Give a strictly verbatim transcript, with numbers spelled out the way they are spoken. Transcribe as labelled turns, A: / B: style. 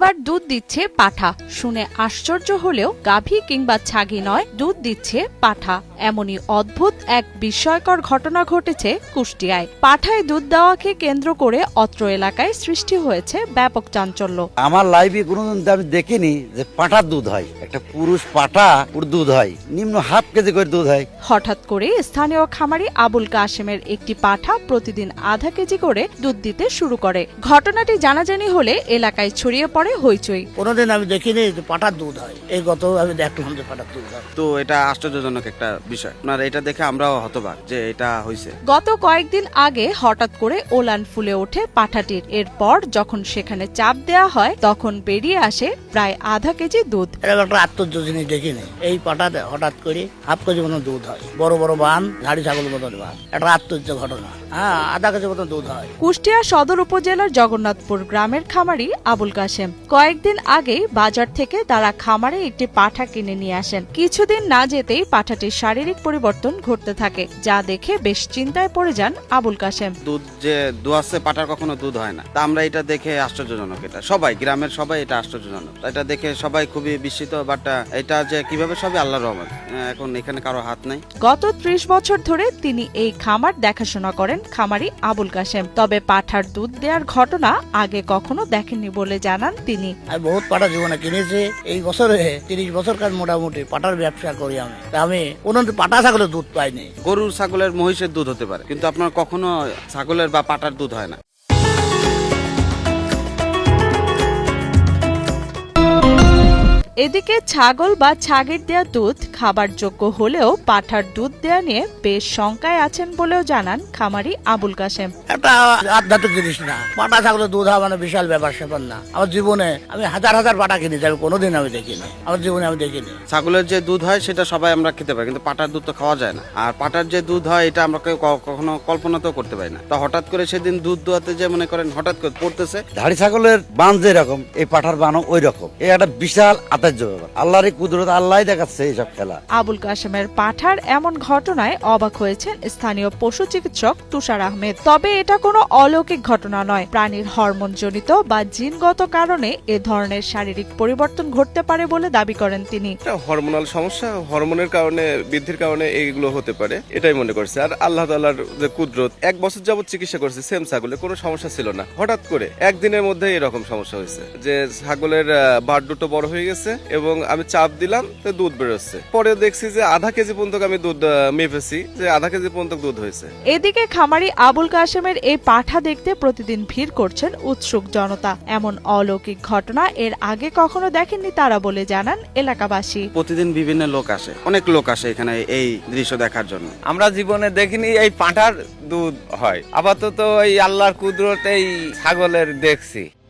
A: এবার দুধ দিচ্ছে পাঠা। শুনে আশ্চর্য হলেও গাভী কিংবা ছাগি নয়, দুধ দিচ্ছে পাঠা। এমনই অদ্ভুত এক বিস্ময়কর ঘটনা ঘটেছে কুষ্টিয়ায়। পাঠায় দুধ দেওয়াকে কেন্দ্র করে অত্র এলাকায় সৃষ্টি হয়েছে ব্যাপক চাঞ্চল্য।
B: আমার লাইফে কোনোদিন আমি দেখিনি যে পাঠার দুধ হয়। একটা পুরুষ পাঠা ওর দুধ হয় নিম্ন হাফ কেজি করে দুধ হয়।
A: হঠাৎ করে স্থানীয় খামারি আবুল কাশেমের একটি পাঠা প্রতিদিন আধা কেজি করে দুধ দিতে শুরু করে। ঘটনাটি জানাজানি হলে এলাকায় ছড়িয়ে পড়ে হইচই।
C: কোনোদিন আমি দেখিনি যে পাঠার দুধ হয়, এই গত আমি দেখলাম যে পাঠার দুধ হয়।
D: তো এটা আশ্চর্যজনক একটা বিষয়। আপনার এটা দেখে আমরাও হতবাক যে এটা হয়েছে।
A: গত কয়েকদিন আগে হঠাৎ করে ওলান ফুলে ওঠে পাঠাটির। এরপর যখন সেখানে চাপ দেয়া হয় তখন বেরিয়ে আসে প্রায় আধা কেজি দুধ।
C: এরকম একটা আশ্চর্য জিনিস দেখিনি। এই পাঠাতে হঠাৎ করে হাফ কেজি মতো দুধ হয়, বড় বড় বান, ধাড়ি ছাগল মতন বান। একটা আশ্চর্য ঘটনা। হ্যাঁ, আধা কেজি মতো দুধ হয়।
A: কুষ্টিয়া সদর উপজেলার জগন্নাথপুর গ্রামের খামারি আবুল কাশেম কয়েকদিন আগেই বাজার থেকে তারা খামারে একটি পাঠা কিনে নিয়ে আসেন। কিছুদিন না যেতেই পাঠাটির শারীরিক পরিবর্তন ঘটতে থাকে, যা দেখে বেশ চিন্তায় পড়ে যান আবুল কাশেম।
D: দুধ যে দুয়াচ্ছে পাটার কখনো দুধ হয় না। তা আমরা এটা দেখে আশ্চর্যজনক। এটা সবাই গ্রামের সবাই এটা আশ্চর্যজনক। এটা দেখে সবাই খুবই বিস্মিত। বাট এটা যে কিভাবে সবই আল্লাহর রহমত। এখন এখানে কারো হাত নাই।
A: গত ত্রিশ বছর ধরে তিনি এই খামার দেখাশোনা করেন খামারি আবুল কাশেম। তবে পাঠার দুধ দেওয়ার ঘটনা আগে কখনো দেখেননি বলে জানান তিনি।
C: আমি বহুত পাঠা জীবনে কিনেছি। এই বছরে তিরিশ বছর কাজ মোটামুটি পাঠার ব্যবসা করি আমি। তা আমি কোনোদিন পাঠা ছাগলের দুধ পাইনি।
D: গরুর ছাগলের মহিষের দুধ হতে পারে, কিন্তু আপনার কখনো ছাগলের বা পাটার দুধ হয় না।
A: এদিকে ছাগল বা ছাগির দেয়া দুধ খাবার যোগ্য হলেও পাঠার দুধ দেয়া নিয়ে বেশ শঙ্কায় আছেন বলেও জানান খামারি আবুল কাশেম।
C: একটা আধ্যাত্মিক জিনিস না, পাঠা ছাগলের দুধ হওয়া মানে বিশাল ব্যাপার স্যাপার না। আমার জীবনে আমি হাজার হাজার পাঠা কিনেছি, আমি কোনোদিন আমি দেখিনি, আমার জীবনে আমি দেখিনি।
D: ছাগলের যে দুধ হয় সেটা সবাই আমরা খেতে পারি, কিন্তু পাটার দুধ তো খাওয়া যায় না। আর পাটার যে দুধ হয় এটা আমরা কেউ কখনো কল্পনাতেও করতে পারি না। তো হঠাৎ করে সেদিন দুধ দোয়াতে যে মনে করেন হঠাৎ করে পড়তেছে।
B: ধাড়ি ছাগলের বান যে রকম, এই পাঠার বানও ওই রকম। এই একটা বিশাল আল্লাহর কুদরত, আল্লাহ দেখাচ্ছে এইসব খেলা।
A: আবুল কাশেমের পাঠার এমন ঘটনায় অবাক হয়েছেন স্থানীয় পশু চিকিৎসক তুষার আহমেদ। তবে এটা কোনো অলৌকিক ঘটনা নয়। প্রাণীর হরমোন জনিত বা জিনগত কারণে এ ধরনের শারীরিক পরিবর্তন ঘটতে পারে বলে দাবি করেন তিনি।
E: হরমোনাল সমস্যা, হরমোনের কারণে, বৃদ্ধির কারণে এইগুলো হতে পারে, এটাই মনে করছে। আর আল্লাহ তাআলার যে কুদরত, এক বছর যাবত চিকিৎসা করছে সেম ছাগলে, কোনো সমস্যা ছিল না। হঠাৎ করে একদিনের মধ্যে এরকম সমস্যা হয়েছে যে ছাগলের বাট দুটো বড় হয়ে গেছে এবং আমি চাপ দিলাম তো দুধ বেরোচ্ছে। পরে দেখছি যে আধা কেজি পর্যন্ত আমি দুধ মেপেছি, যে আধা কেজি পর্যন্ত দুধ হয়েছে।
A: এদিকে খামারি আবুল কাশেমের এই পাঠা দেখতে প্রতিদিন ভিড় করছেন উৎসুক জনতা। এমন অলৌকিক ঘটনা এর আগে কখনো দেখেননি তারা বলে জানান এলাকাবাসী।
D: প্রতিদিন বিভিন্ন লোক আসে, অনেক লোক আসে এখানে এই দৃশ্য দেখার জন্য।
F: আমরা জীবনে দেখিনি এই পাঁঠার দুধ হয়। আপাতত এই আল্লাহর কুদরত এই ছাগলের দেখছি।